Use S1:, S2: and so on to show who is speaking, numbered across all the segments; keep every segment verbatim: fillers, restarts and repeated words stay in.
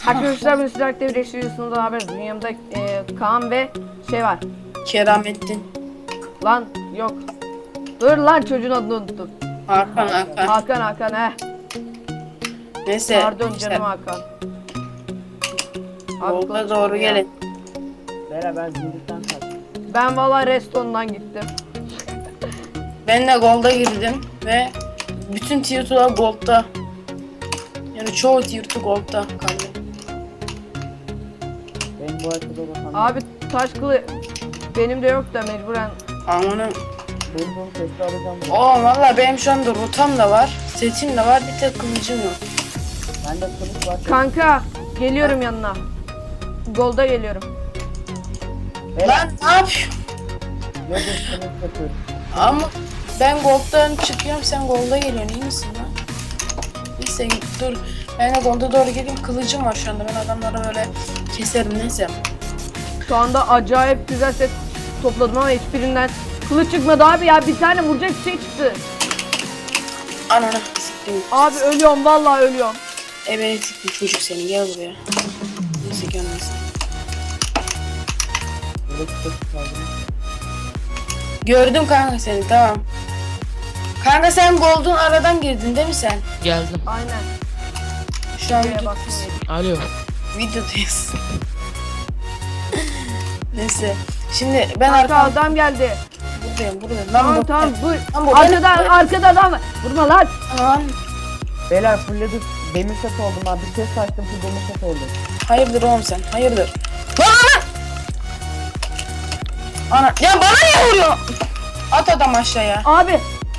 S1: Arkadaşlar ben sizlerle birleştiriyorsunuz haber. Dünyamda e, Kaan ve şey var.
S2: Keramettin.
S1: Lan yok. Dur lan çocuğun adını unuttum.
S2: Hakan Hakan.
S1: Hakan Hakan he.
S2: Neyse.
S1: Pardon
S2: işte,
S1: canım Hakan. Abi
S2: Yolda
S1: konuşma
S2: doğru
S1: ya.
S2: gelin.
S3: Bera ben zincirden kaçtım.
S1: Ben valla restondan gittim.
S2: Ben de Gold'a girdim ve bütün tier two'lar Gold'da. Yani çoğu tier two Gold'da kaldı.
S3: Benim bu haritada bakan.
S1: Abi taş kılı benim de yok da mecburen.
S2: Amanın.
S3: Benim bunu testi alacağım.
S2: Oo valla benim şu anda rotam da var. Setim de var. Bir tek kılıcım yok.
S3: Bende kılıç var.
S1: Kanka geliyorum yanına. Golda geliyorum.
S3: Bera.
S2: Lan ne yapıyorsun?
S3: Yok yok kılıç yapıyorum.
S2: Ama ben Gold'dan çıkıyorum, sen Gold'a geliyorsun. İyi misin lan? Neyse dur. Ben de Gold'a doğru geleyim. Kılıcım var şu anda. Ben adamları böyle keserim. Neyse.
S1: Şu anda acayip güzel set topladım ama hiçbirinden kılıç çıkmadı abi ya, bir tane vuracak bir şey çıktı.
S2: Ananı siktim.
S1: Abi ölüyorum vallahi ölüyorum.
S2: Evet siktim çocuk seni. Gel buraya. Neyse gelmesin.
S3: Burada kılıç aldım.
S2: Gördüm kanka seni, tamam. Kanka sen Gold'un aradan girdin değil mi sen?
S4: Geldim.
S1: Aynen.
S2: Şu an
S1: Şuraya
S2: video,
S1: baksın.
S4: Alo.
S2: videodayız. Neyse. Şimdi ben
S1: Kanka
S2: arkam
S1: adam geldi.
S2: buradayım buradayım. Lan
S1: Tamam
S2: bu-
S1: tamam bu.
S2: Lan bu
S1: Arkada
S2: benim-
S1: arkada adam var. Vurma lan.
S2: Tamam.
S3: Beyler fullledik. Demir set oldum abi. Bir kez açtım full demir set oldu.
S2: Hayırdır oğlum sen? Hayırdır? Lan ana! Ana ya bana niye vuruyor? At adam aşağıya.
S1: Abi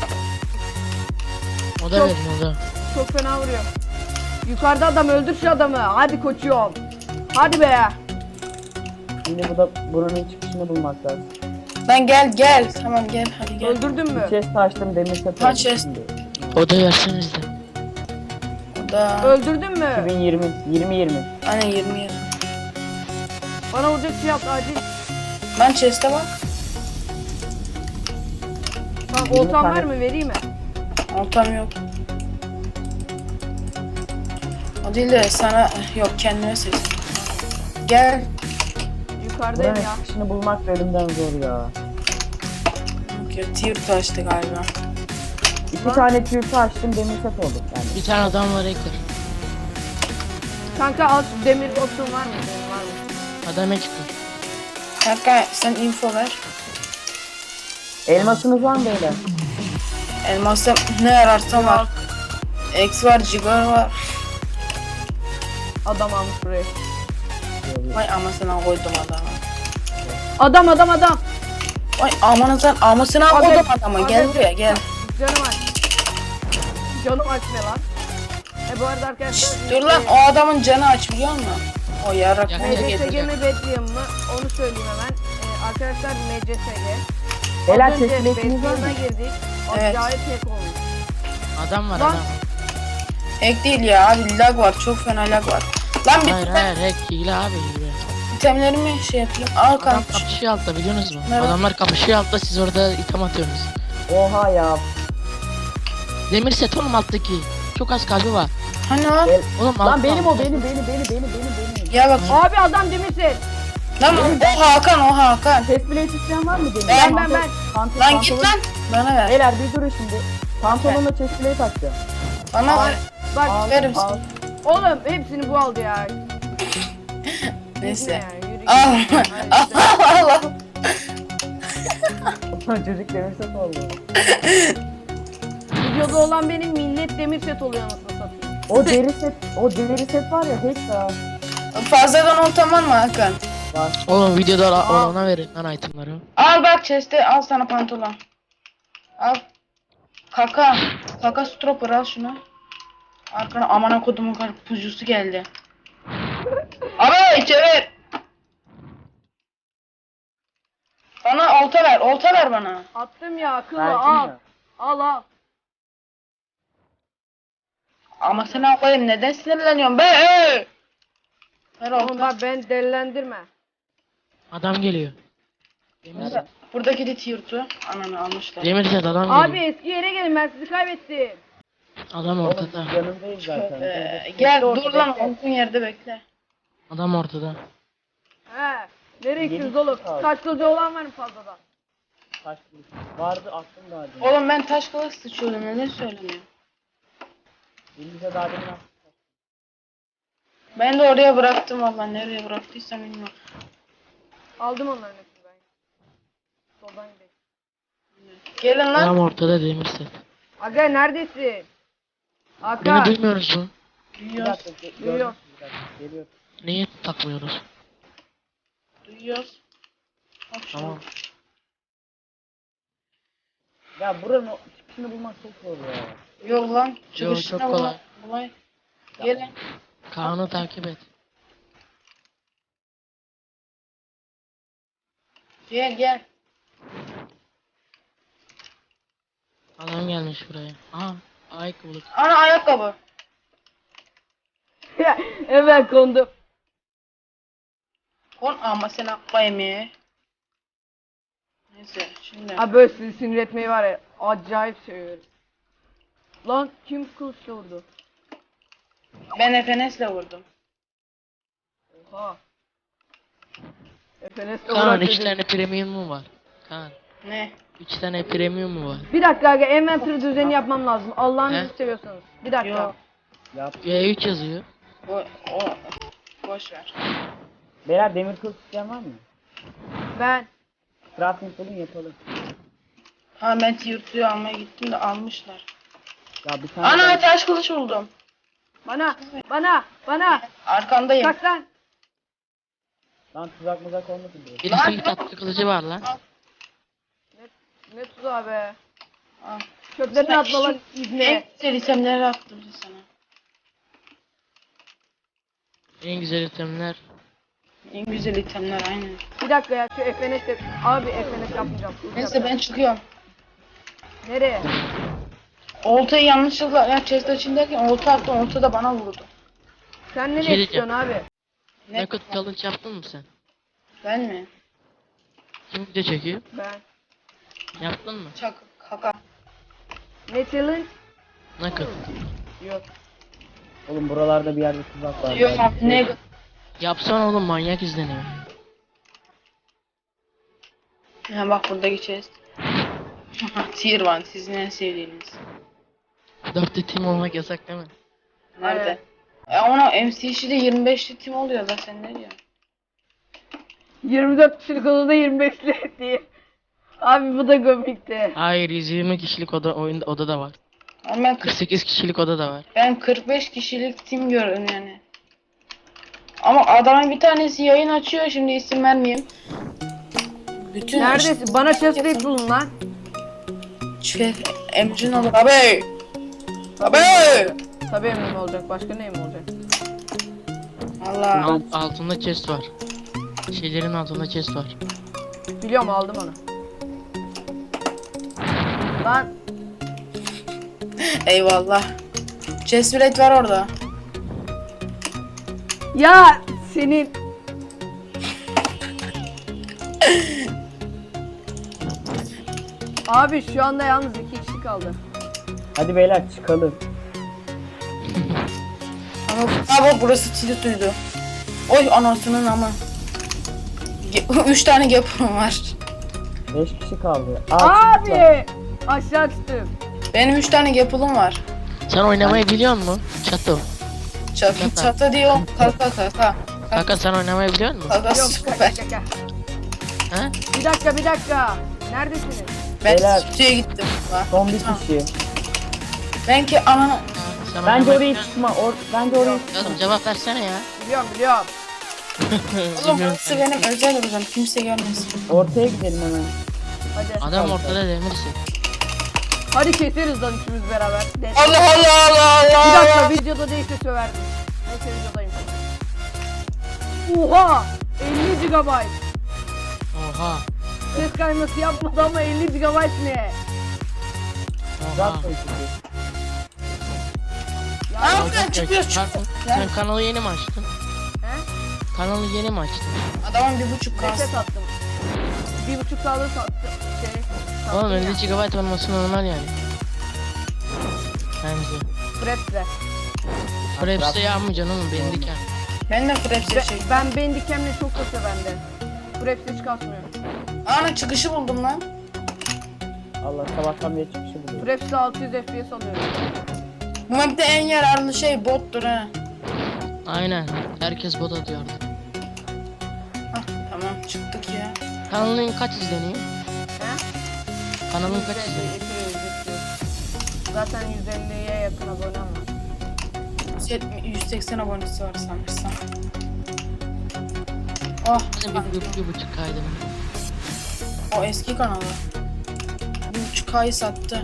S4: O da
S1: Çok-
S4: verin o da.
S1: çok fena vuruyor. Yukarıda adam, öldür şu adamı. Hadi koçum. Hadi be.
S3: Şimdi bu da buranın çıkışını bulmak lazım.
S2: Lan gel gel. Tamam gel hadi gel.
S1: Öldürdün mü?
S3: Bir kez açtım demir set
S2: Ha,
S3: oldu.
S2: chest.
S3: Şimdi.
S4: O da verseniz de.
S2: Da.
S1: Öldürdün mü?
S3: iki bin yirmi yirmi yirmi.
S2: Aynen yirmi yıl.
S1: Bana vuracak şey yap acil.
S2: Lan chest'e bak.
S1: Tamam
S3: Yirmi
S1: oltan
S3: tane-
S1: var mı, vereyim mi?
S2: Oltam yok. O değil de sana yok kendime seç. Gel.
S1: Yukarıdayım
S3: Buranın
S1: ya.
S3: çıkışını bulmak da elimden zor ya.
S2: Yok ya tier taştı galiba.
S3: İki tane tüyü açtım demir set oldu yani.
S4: Bir tane adam var ekler.
S1: Kanka al şu demir otun var mı? Senin var mı?
S4: Adam ekler.
S2: Kanka sen info ver.
S3: Elmasınız var mı beyler?
S2: Elmas'ta ne ararsan var. X var, Cigar var.
S1: Adam almış burayı.
S2: Vay amasına koydum adamı.
S1: Adam adam adam.
S2: Vay amanızdan amasına
S1: Abi,
S2: koydum adamı.
S1: abi.
S2: Gel buraya gel.
S1: Canım aç. Canım aç ne lan? E bu arada arkadaşlar.
S2: Dur lan o adamın canı aç biliyor musun? O yarak
S4: Ya,
S2: bunu
S1: M C S G
S2: getireceğim.
S1: mi Bedlam mı? Onu söyleyeyim hemen. Ee, arkadaşlar M C S G.
S3: Beyler
S1: Az önce
S3: teslimiyetiniz var mı?
S1: Bedlam'a girdik.
S2: Evet.
S1: Acayip hack olmuş.
S4: Adam var
S1: Lan.
S4: adam.
S2: Hack değil ya abi lag var. Çok fena lag var. Lan bir
S4: Hayır hayır hack hile abi hile.
S2: itemlerimi şey yapayım. Al
S4: Adam
S2: kanka.
S4: kapışıyor altta biliyorsunuz mu?
S2: Evet.
S4: Adamlar kapışıyor altta siz orada item atıyorsunuz.
S3: Oha ya.
S4: Demir set oğlum alttaki. Çok az kalbi var.
S2: Hani lan?
S3: Gel.
S4: Oğlum
S3: Lan
S4: altta-
S3: benim o benim benim benim benim benim benim.
S2: Ya bak.
S1: Abi adam demişsin.
S2: Lan o Hakan o Hakan.
S3: Test plate isteyen var mı benim?
S2: Ben,
S1: ben, ben.
S3: Pantolon,
S2: Lan git lan. Bana ver.
S3: Beyler bir durun şimdi. Pantolonla chest plate atacağım.
S2: Bana ver.
S1: Bak
S3: Al,
S2: verim
S3: al.
S1: oğlum hepsini bu aldı ya.
S2: Neyse.
S1: Ya, yürü
S2: Al.
S1: git. Hayır,
S2: Al al.
S3: Çocuk demir set oldu.
S1: Videoda olan benim millet demir set oluyor anasını satayım.
S3: O deri set, o deri set var ya hack da
S2: Fazladan oltan var mı Hakan?
S3: var.
S4: Oğlum videoda
S1: Aa.
S4: ona verin lan itemları.
S2: Al bak chest'e al sana pantolon. Al. Kaka. Kaka stropper al şunu. Arkana amana kodumun karpuzusu geldi. Abi çevir. Bana olta ver. Olta ver bana.
S1: Attım ya akıllı
S3: Verdin
S1: al.
S3: mi?
S1: Al al.
S2: Ama sen koyayım neden sinirleniyorsun be? Ee! Ver
S1: Oğlum
S2: olta.
S1: bak ben delilendirme.
S4: Adam geliyor.
S2: Burada- Buradaki de tiyurtu. Ananı almışlar.
S4: Demir set adam
S1: Abi
S4: geliyor.
S1: eski yere gelin, ben sizi kaybettim.
S4: Adam
S3: Oğlum
S4: ortada.
S3: yanındayız zaten.
S2: Ee, gel dur lan olduğun yerde bekle.
S4: Adam ortada.
S1: He. Nereye
S3: Yedi
S1: gittiniz oğlum?
S3: kişi kaldı.
S1: Taş kılıcı olan var mı fazladan?
S3: Taş kılıç. Vardı aklım vardı.
S2: Oğlum ben taş kılıç sıçıyordum neden söylemiyor?
S3: Elimize daha demin attık.
S2: Ben de oraya bıraktım valla nereye bıraktıysam bilmiyorum.
S1: Aldım onların hepsini ben. Soldan gidelim.
S2: Gelin lan.
S4: Adam ortada demir set.
S1: Aga neredesin?
S4: Beni
S1: Aga.
S4: duymuyoruz mu?
S3: Bir
S2: Duyuyoruz.
S3: dakika. ge-
S1: Duyuyor.
S3: gördüm, bir dakika, Geliyor.
S4: Niye takmıyoruz?
S2: Duyuyoruz. Bak şuna.
S4: Tamam.
S3: Ya buranın o çıkışını bulmak çok zor ya.
S2: Yok lan.
S4: Yo,
S2: Çıkışına
S4: çok
S2: bula-
S4: kolay.
S2: bulay. Gelin.
S4: Kaan'ı takip et.
S2: Gel gel.
S4: Adam gelmiş buraya. Aha. Ayakkabılık.
S2: Ana ayakkabı.
S1: Hemen kondum.
S2: Kon ama sen akba yemeğe. Neyse şimdi.
S1: Abi böyle sizi sinir etmeyi var ya. Acayip seviyorum. Lan kim kılıçla vurdu?
S2: Ben Efenes'le vurdum.
S1: Oha. Efenes'le
S4: Kaan
S1: uğraş
S4: üç
S1: dedim.
S4: tane premium mu var? Kaan.
S2: Ne?
S4: Üç tane premium mu var?
S1: Bir dakika aga inventory düzeni yapmam lazım. Allah'ınızı
S4: He?
S1: seviyorsanız. Bir dakika.
S2: Yok.
S3: Yap.
S4: G üç yazıyor.
S2: O, o. Boş ver.
S3: Beyler demir kılıç isteyen var mı?
S1: Ben.
S3: Crafting bulun yapalım.
S2: Ha ben tier suyu almaya gittim de almışlar.
S3: Ya bir tane
S2: Ana
S3: daha-
S2: taş kılıç buldum.
S1: Bana. Bana. Bana.
S2: Arkandayım.
S1: Kaç lan.
S3: Lan tuzak muzak olmasın diye.
S4: Birisinin tatlı kılıcı var lan.
S1: Ne tuzağı be.
S2: Al.
S1: Çöplerini
S2: Sana
S1: atma lan
S2: En
S1: ibne.
S2: güzel itemleri attım sana.
S4: En güzel itemler.
S2: En güzel itemler aynen.
S1: Bir dakika ya şu F N S de... Abi F N S yapmayacağım.
S2: Neyse ben çıkıyorum.
S1: Nereye?
S2: Oltayı yanlışlıkla ya chest açındayken olta attım olta da bana vurdu.
S1: Sen nereye
S4: Şey diyeceğim.
S1: çıkıyorsun abi?
S2: Ne?
S4: Naked challenge yaptın mı sen?
S2: Ben mi?
S4: Kim video çekiyor?
S1: Ben.
S4: Yaptın mı?
S2: Çak kaka.
S1: Ne challenge?
S4: Naked.
S1: Yok.
S3: Oğlum buralarda bir yerde tuzak var.
S2: Yok
S3: belki.
S2: ne?
S4: Yapsana oğlum, manyak izleniyor.
S2: Ha bak buradaki chest. Tier one sizin en sevdiğiniz.
S4: Dörtlü team olmak yasak değil mi?
S2: Nerede? E ona M C C'de yirmi beşli tim oluyor da sen ne diyorsun?
S1: yirmi dört kişilik odada yirmi beşli diye. Abi bu da komikti.
S4: Hayır, yüz yirmi kişilik oda oyunda oda da var.
S2: Ama ben,
S4: kırk
S2: kırk,
S4: sekiz kişilik oda da var.
S2: ben kırk beş kişilik tim gördüm yani. Ama adamın bir tanesi yayın açıyor şimdi isim vermeyeyim. Bütün
S1: Neredesin? Bana chest plate bulun lan.
S2: Şey, emcin olur abi. Abi.
S1: Tabii emin olacak. Başka neyim olacak?
S2: Allah.
S4: Alt, altında chest var. Şeylerin altında chest var.
S1: Biliyorum aldım onu. Lan
S2: Eyvallah. Chest plate var orada.
S1: ya senin Abi şu anda yalnız iki kişi kaldı.
S3: Hadi beyler çıkalım.
S2: Ama abi burası tilt duydu. Oy anasının ama. Ge- Üç tane gapım var.
S3: Beş kişi kaldı. Aa, çıktılar.
S1: Abi aşağı düştüm.
S2: Benim üç tane gapılım var.
S4: Sen oynamayı biliyor musun? Çato.
S2: Çatı
S4: Yapma.
S2: çatı diyor. Kaka kaka.
S4: Kanka sen oynamayı biliyor musun?
S2: Kaka
S1: Yok
S2: süper.
S1: kaka kaka.
S4: He?
S1: Bir dakika bir dakika. Neredesiniz?
S2: Ben
S3: Beyler.
S2: stüdyoya gittim. Bak.
S3: Son bir kişi.
S2: Ben ki ana...
S4: Sen
S3: Bence
S4: oynamayı
S3: oraya
S4: biliyor musun?
S3: çıkma. Or bence oraya çıkma.
S4: Oğlum cevap versene ya.
S1: Biliyorum biliyorum.
S2: Oğlum burası benim özel odam. Kimse görmesin.
S3: Ortaya gidelim hemen.
S1: Hadi.
S4: Adam ortada demirsin.
S1: Hadi keseriz lan üçümüz beraber. De-
S2: Allah Allah Allah
S1: Bir
S2: Allah.
S1: dakika videoda değilse söverdim. Neyse videodayım. Oha! elli gigabayt.
S4: Oha.
S1: Ses kayması yapmadı ama elli gigabayt ne?
S4: Oha.
S3: Tuzak koyuyor.
S1: Ya,
S2: Aa,
S4: Olacak ya.
S2: çıkıyor,
S4: Sen-
S2: çıkıyor.
S4: Sen kanalı yeni mi açtın?
S1: he?
S4: Kanalı yeni mi açtın?
S2: Adamın bir buçuk
S1: Nefes
S2: kalsın.
S1: attım. Bir buçuk sağlığı sattım. Şey, sattım
S4: Oğlum
S1: ya.
S4: elli gigabayt olması normal yani. Bence.
S1: Fraps'le.
S4: Fraps'e yapmayacaksın oğlum, bendik yani.
S2: Ben de Fraps'e
S1: Ben,
S2: şey.
S1: ben Bandicam'le çok kasıyor bende. Fraps hiç kasmıyor.
S2: Ana çıkışı buldum lan.
S3: Allah sabahtan beri çıkışı buluyor.
S1: Fraps'te altı yüz F P S alıyorum.
S2: Bu map'te en yararlı şey bottur ha.
S4: Aynen. Herkes bot atıyordu.
S2: Hah tamam çıktık ya.
S4: Kanalın kaç izleniyor?
S1: He?
S4: Kanalın kaç
S1: yüz elli,
S4: izleniyor?
S1: iki yüz, üç yüz. Zaten yüz elliye yakın abonem var.
S2: yüz yetmiş yüz seksen abonesi var sanırsam. Oh,
S4: Benim bir, bir, bir buçuk kaydı.
S2: o eski kanalı. Bir buçuk ayı sattı.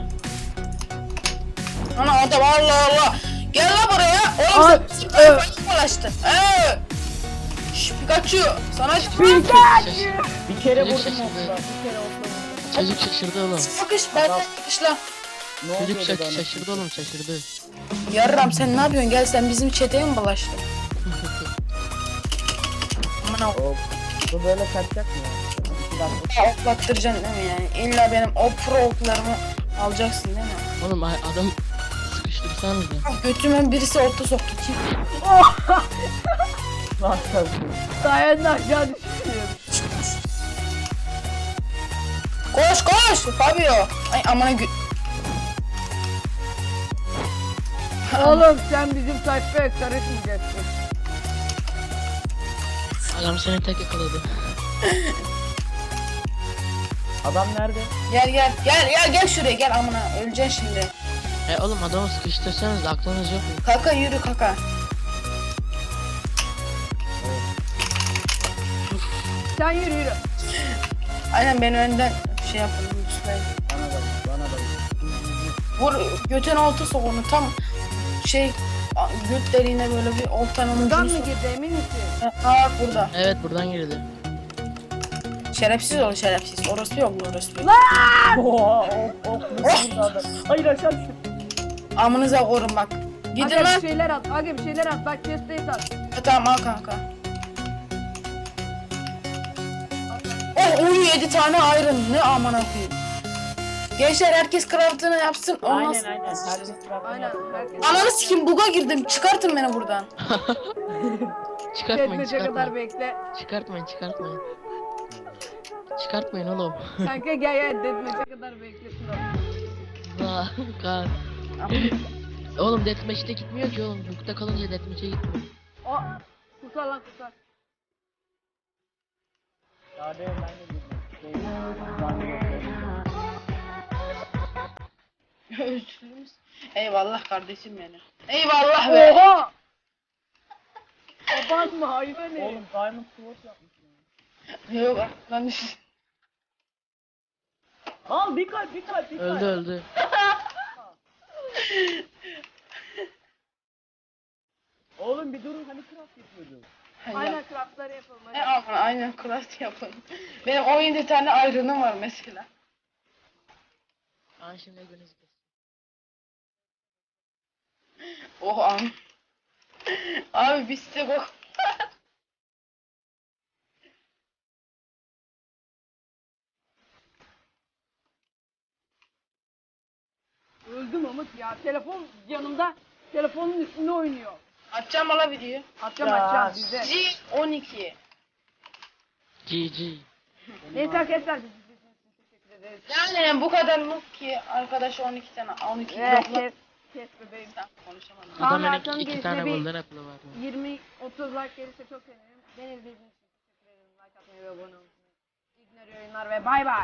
S2: Ana adam Allah Allah. Gel la buraya. Oğlum
S1: Ay,
S2: sen
S1: evet.
S2: sen dolaştın. Eee. Şş Pikachu. Sana
S3: Bir kere
S4: Çocuk
S3: vurdum
S4: şaşırdı.
S3: okula. Bir kere okula vurdum.
S4: Çocuk şaşırdı oğlum.
S2: sıkış ben de sıkışla.
S3: Ne
S4: Çocuk
S3: oluyor
S4: şaş
S3: bana?
S4: şaşırdı oğlum şaşırdı.
S2: Yarram sen ne yapıyorsun? Gel sen bizim çeteye mi bulaştın? Aman o
S3: Hop. Bu böyle kaçacak mı ya? İki dakika.
S2: oklattıracaksın değil mi yani? İlla benim o pro oklarımı alacaksın değil mi?
S4: Oğlum ay- adam sıkıştırsanız da.
S2: Ah, götüme birisi orta soktu kim?
S3: Lan kalsın.
S1: Sayende aşağı düşüyorum.
S2: Koş koş Fabio. Ay amına gü...
S1: Oğlum sen bizim sayfaya karışmayacaksın.
S4: Adam seni tek yakaladı.
S3: Adam nerede?
S2: Gel gel gel gel gel şuraya gel amına öleceksin şimdi.
S4: E oğlum adamı sıkıştırsanız da aklınız yok mu?
S2: Kaka yürü kaka.
S1: Sen yürü yürü.
S2: Aynen beni önden şey yapın lütfen.
S3: Bana bak, bana bak.
S2: Vur götüne olta sok onu tam şey a- göt deliğine böyle bir oltanın
S1: Buradan
S2: ucunu
S1: mı
S2: sok.
S1: girdi emin misin?
S2: Ha bak burada.
S4: Evet buradan girdi.
S2: Şerefsiz ol şerefsiz. Orası yok mu orası yok.
S3: Oha ok ok nasıl vurdu adam? Hayır aşağı düştüm.
S2: Amınıza korun bak. Gidin
S1: Aga
S2: lan.
S1: bir şeyler at. Aga bir şeyler at. Bak chest'e at.
S2: Ha, tamam al kanka. Oh uyu yedi tane iron ne aman koyayım. Gençler herkes craftını yapsın. Ondan
S3: Aynen
S2: sonra-
S3: aynen. Herkes bırak.
S1: Aynen. Herkes.
S2: Ananı sikim buga girdim. Çıkartın beni buradan.
S4: Çıkartmayın
S1: Yetmece kadar
S4: çıkartmayın.
S1: bekle.
S4: Çıkartmayın çıkartmayın. Çıkartmayın oğlum.
S1: Kanka gel gel detmece kadar beklesin o.
S4: Vah kar. Oğlum deathmatch'te gitmiyor ki oğlum. Bukta kalınca deathmatch'e gitmiyor.
S1: O kurtar lan kurtar.
S3: Hadi ben de girdim. Şey, ben de girdim.
S2: Özürlüyüz. Eyvallah kardeşim benim. Eyvallah be.
S1: Oha! Abartma hayvan ne?
S3: Oğlum Diamond Sword yapmış ya.
S2: Yok lan düş.
S3: Al bir kalp bir kalp bir kalp.
S4: Öldü öldü.
S3: Oğlum bir durun hani craft yapıyorduk.
S1: Aynen craftları yapalım
S2: E
S1: hadi.
S2: aman aynen craft yapın. Benim on yedi tane iron'ım var mesela.
S4: Aa şimdi gününüz kes.
S2: Oh am. Abi biz de bak.
S1: Öldüm ama ya telefon yanımda telefonun üstünde oynuyor.
S2: Atacağım ala videoyu.
S1: Atacağım
S3: Ya.
S1: atacağım bizde.
S2: G on iki.
S4: G G.
S1: Neyse arkadaşlar biz izlediğiniz için teşekkür ederiz.
S2: Yani bu kadar noob ki arkadaş on iki tane on iki
S1: Ve
S2: yok lan.
S1: kes, kes bebeğim.
S2: Konuşamadım.
S1: Kaan
S4: Adamın
S1: Erkan'ın
S4: iki, iki
S1: gelişine
S4: tane
S1: bir-
S4: golden apple'ı var.
S1: yirmi otuz like gelirse çok sevinirim. Beni izlediğiniz için teşekkür ederim. Like atmayı ve abone olmayı. İyi günler, iyi oyunlar ve bay bay.